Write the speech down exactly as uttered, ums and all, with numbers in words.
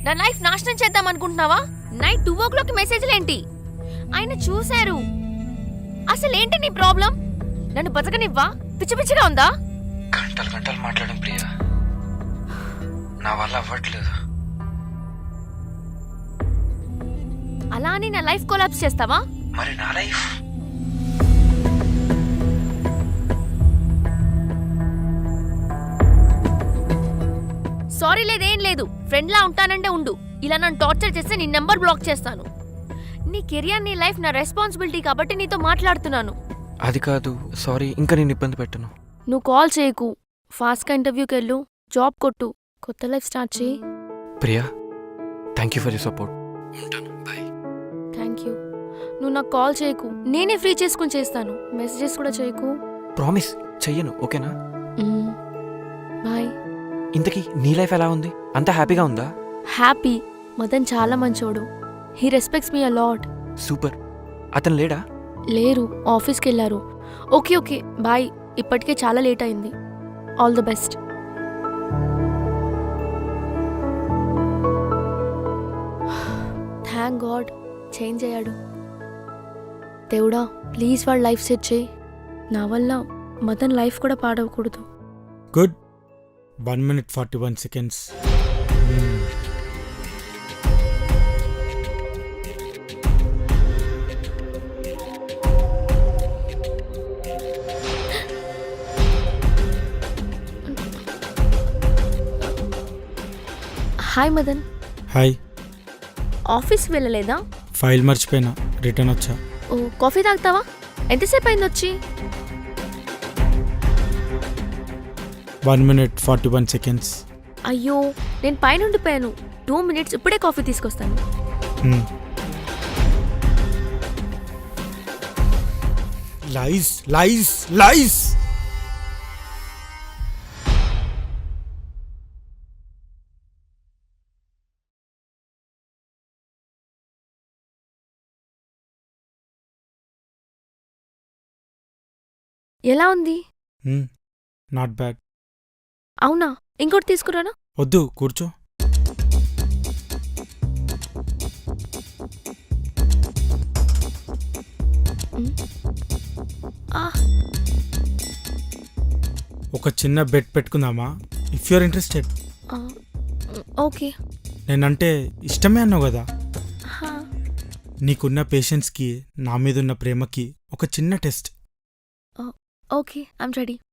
నా లైఫ్ నాశనం చేద్దాం అనుకుంటున్నావా? నైట్ టూ ఓ క్లాక్ మెసేజ్లు ఏంటి? ఆయన చూశారు. అసలు ఏంటి నీ ప్రాబ్లం? నన్ను బతకనివ్వా? పిచ్చి పిచ్చిగా ఉందా? గంటలు గంటలు మాట్లాడడం ప్రియా, నా వల్ల అవ్వట్లేదు. అలా అని నా లైఫ్ కొలాప్స్ చేస్తావా? మరి నా లైఫ్ సారీ లేదేం లేదు. ఫ్రెండ్లా ఉంటానంటే ఉండు. ఇలా నన్ను టార్చర్ చేస్తే నీ నెంబర్ బ్లాక్ చేస్తాను. నీ కెరియర్ నీ లైఫ్ నా రెస్పాన్సిబిలిటీ కాబట్టి నీతో మాట్లాడుతున్నాను. అది కాదు, సారీ. ఇంకా నేను ఇబ్బంది పెట్టను. నువ్వు కాల్ చేయకు. ఫాస్ట్గా ఇంటర్వ్యూకి వెళ్ళు, జాబ్ కొట్టు, కొత్త లైఫ్ స్టార్ట్ చేయి. Priya, thank you for your support. ఉంటాను, బాయ్. Thank you. నువ్వు నాకు కాల్ చేయకు, నేనే ఫ్రీ చేసుకుని చేస్తాను. మెసేజెస్ కూడా చేయకు. ప్రామిస్ చెయ్యను, ఓకేనా? బాయ్. ఇంతకీ నీ లైఫ్ ఎలా ఉంది? అంతా హ్యాపీగా ఉందా? హ్యాపీ. మదన్ చాలా మంచోడు. He respects me a lot. Super. అతను లేడా? లేరు, ఆఫీస్కి వెళ్ళారు. Okay okay bye. ఇప్పటికే చాలా లేట్ అయింది. All the best. Thank God change అయ్యాడు. దేవుడా ప్లీజ్ వాడు లైఫ్ సెట్ చేయి. నా వల్ల మదన్ లైఫ్ కూడా పాడవకూడదు. Good. One minute forty one seconds. Hi Madan. Hi. ఆఫీస్కి వెళ్ళలేదా? ఫైల్ మర్చిపోయినా, రిటర్న్ వచ్చా. ఓ కాఫీ తాగుతావా? ఎంతసేపు అయింది వచ్చి? One minute forty one seconds. అయ్యో నేను పైన ఉండిపోయాను. టూ మినిట్స్ ఇప్పుడే కాఫీ తీసుకొస్తాను. లైస్ లైస్ లైస్. ఎలా ఉంది? Not bad. అవునా? ఇంకోటి తీసుకురానా? వద్దు, కూర్చో. ఒక చిన్న బెట్ పెట్టుకుందామా? If you're interested. ఓకే. నేనంటే ఇష్టమే అన్నావు కదా. నీకున్న పేషెన్స్కి, నా మీద ఉన్న ప్రేమకి ఒక చిన్న టెస్ట్. Okay, I'm ready.